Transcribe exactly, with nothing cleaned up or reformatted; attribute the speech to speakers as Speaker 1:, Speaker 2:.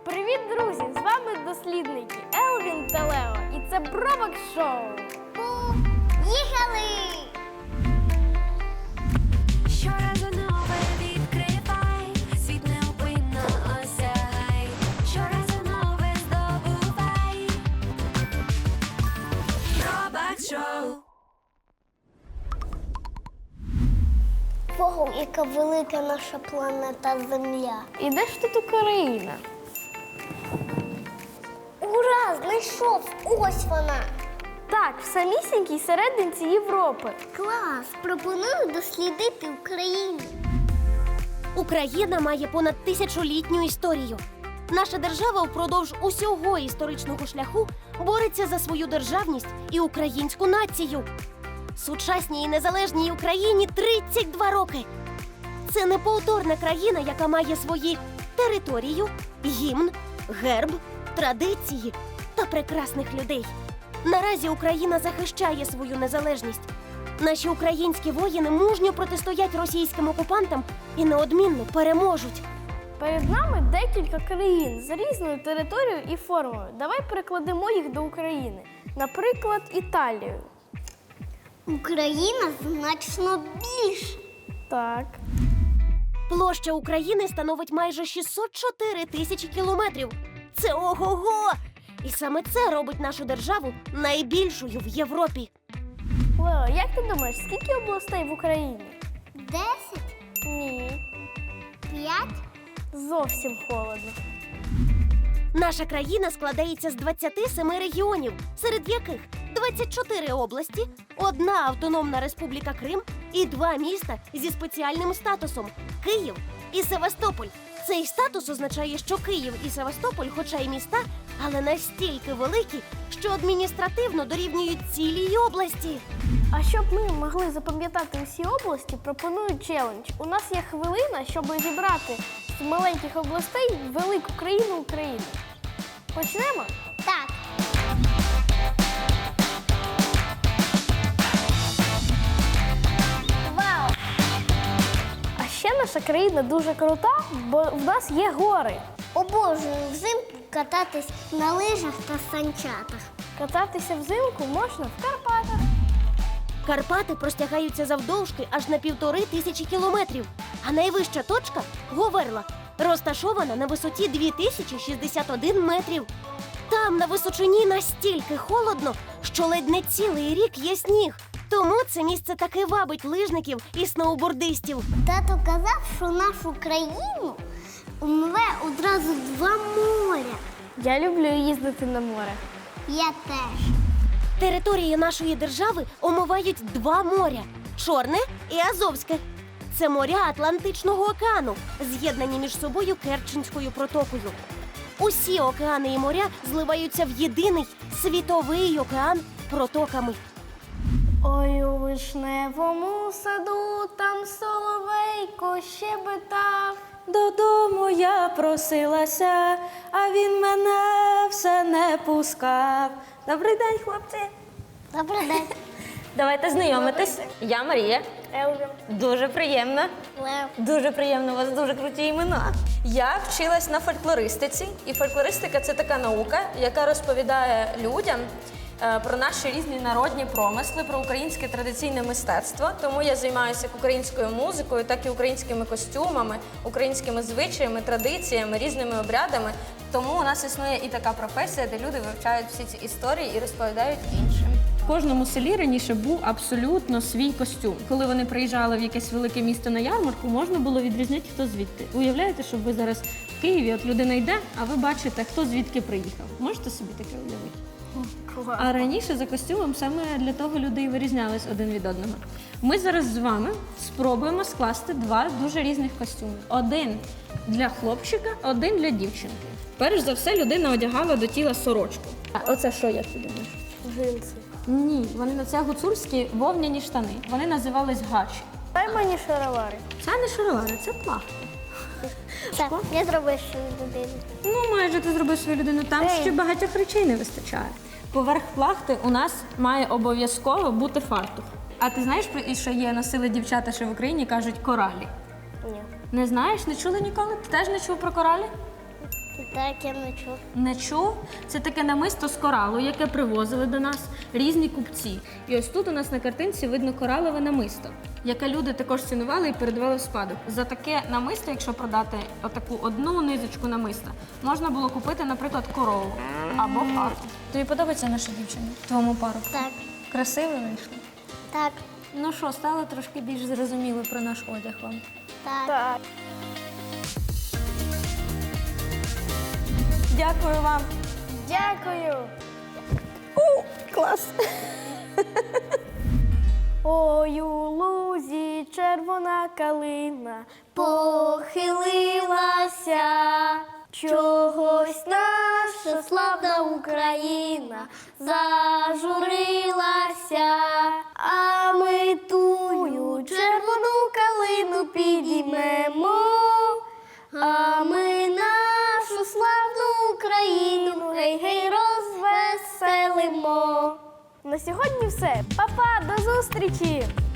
Speaker 1: Привіт, друзі! З вами дослідники Елвін та Лео. І це Бробок Шоу.
Speaker 2: Поїхали!
Speaker 3: Щоразу нове відкривай, світ неупинно осягай, щоразу нове здобувай. Бробок Шоу.
Speaker 2: Ого, яка велика наша планета Земля.
Speaker 1: І де ж тут Україна?
Speaker 2: Ура! Знайшов! Ось вона!
Speaker 1: Так, в самісінькій серединці Європи.
Speaker 2: Клас! Пропоную дослідити Україну.
Speaker 4: Україна має понад тисячолітню історію. Наша держава впродовж усього історичного шляху бореться за свою державність і українську націю. Сучасній і незалежній Україні тридцять два роки. Це неповторна країна, яка має свої територію, гімн, герб, традиції та прекрасних людей. Наразі Україна захищає свою незалежність. Наші українські воїни мужньо протистоять російським окупантам і неодмінно переможуть.
Speaker 1: Перед нами декілька країн з різною територією і формою. Давай перекладемо їх до України. Наприклад, Італію.
Speaker 2: Україна значно більше.
Speaker 1: Так.
Speaker 4: Площа України становить майже шістсот чотири тисячі кілометрів. Це ого-го! І саме це робить нашу державу найбільшою в Європі.
Speaker 1: Лео, як ти думаєш, скільки областей в Україні?
Speaker 2: Десять?
Speaker 1: Ні.
Speaker 2: П'ять?
Speaker 1: Зовсім холодно.
Speaker 4: Наша країна складається з двадцяти семи регіонів, серед яких двадцять чотири області, одна автономна республіка Крим і два міста зі спеціальним статусом – Київ і Севастополь. Цей статус означає, що Київ і Севастополь, хоча й міста, але настільки великі, що адміністративно дорівнюють цілій області.
Speaker 1: А щоб ми могли запам'ятати усі області, пропоную челендж. У нас є хвилина, щоб зібрати з маленьких областей велику країну України. Почнемо?
Speaker 2: Так. Вау!
Speaker 1: А ще наша країна дуже крута, бо в нас є гори.
Speaker 2: Обожнюю взимку кататись на лижах та санчатах.
Speaker 1: Кататися взимку можна в Карпатах.
Speaker 4: Карпати простягаються завдовжки аж на півтори тисячі кілометрів, а найвища точка – Говерла, розташована на висоті дві тисячі шістдесят один метрів. Там на височині настільки холодно, що ледь не цілий рік є сніг. Тому це місце таки вабить лижників і сноубордистів.
Speaker 2: Тато казав, що нашу країну умиве одразу два моря.
Speaker 1: Я люблю їздити на море.
Speaker 2: Я теж.
Speaker 4: Території нашої держави омивають два моря – Чорне і Азовське. Це моря Атлантичного океану, з'єднані між собою Керченською протокою. Усі океани і моря зливаються в єдиний світовий океан протоками.
Speaker 1: Ой, у вишневому саду там соловейко щебетав.
Speaker 5: Додому я просилася, а він мене все не пускав. Добрий день, хлопці.
Speaker 2: Добрий день.
Speaker 5: Давайте знайомитись. Я Марія.
Speaker 1: Елвін.
Speaker 5: Дуже приємно.
Speaker 2: Лев.
Speaker 5: Дуже приємно, у вас дуже круті імена. Я вчилась на фольклористиці, і фольклористика – це така наука, яка розповідає людям е, про наші різні народні промисли, про українське традиційне мистецтво. Тому я займаюся як українською музикою, так і українськими костюмами, українськими звичаями, традиціями, різними обрядами. Тому у нас існує і така професія, де люди вивчають всі ці історії і розповідають іншим.
Speaker 6: В кожному селі раніше був абсолютно свій костюм. Коли вони приїжджали в якесь велике місто на ярмарку, можна було відрізняти, хто звідти. Уявляєте, що ви зараз в Києві, от людина йде, а ви бачите, хто звідки приїхав. Можете собі таке уявити? А раніше за костюмом саме для того люди і вирізнялись один від одного. Ми зараз з вами спробуємо скласти два дуже різних костюми. Один для хлопчика, один для дівчинки. Перш за все, людина одягала до тіла сорочку. А оце що, як ти думаєш?
Speaker 1: Джинси.
Speaker 6: Ні, вони на це гуцульські вовняні штани. Вони називались гачі.
Speaker 1: Дай мені шаровари.
Speaker 6: Це не шаровари, це плахти.
Speaker 2: Так, я зробив свою людину.
Speaker 6: Ну, майже ти зробив свою людину. Там
Speaker 1: Ей.
Speaker 6: ще багатьох речей не вистачає. Поверх плахти у нас має обов'язково бути фартух. А ти знаєш, про і що є носили дівчата, що в Україні кажуть коралі?
Speaker 1: Ні.
Speaker 6: Не знаєш? Не чули ніколи? Ти теж не чув про коралі?
Speaker 2: Так, я не чув.
Speaker 6: Не чув? Це таке намисто з коралу, яке привозили до нас різні купці. І ось тут у нас на картинці видно коралове намисто, яке люди також цінували і передавали в спадок. За таке намисто, якщо продати отаку одну низочку намиста, можна було купити, наприклад, корову або хату. Тобі подобається наша дівчина? Твоєму пару?
Speaker 2: Так,
Speaker 6: Красиво вийшло?
Speaker 2: так,
Speaker 6: Ну що, стало трошки більш зрозуміло про наш одяг вам?
Speaker 2: так.
Speaker 1: Так.
Speaker 5: Дякую вам.
Speaker 1: Дякую.
Speaker 5: Клас.
Speaker 1: Ой, у лузі червона калина похилилася, чогось наша славна Україна зажурилася, а ми тую червону калину підіймемо, а ми нашу славну Україну гей-гей розвеселимо. На сьогодні все. Па-па, до зустрічі!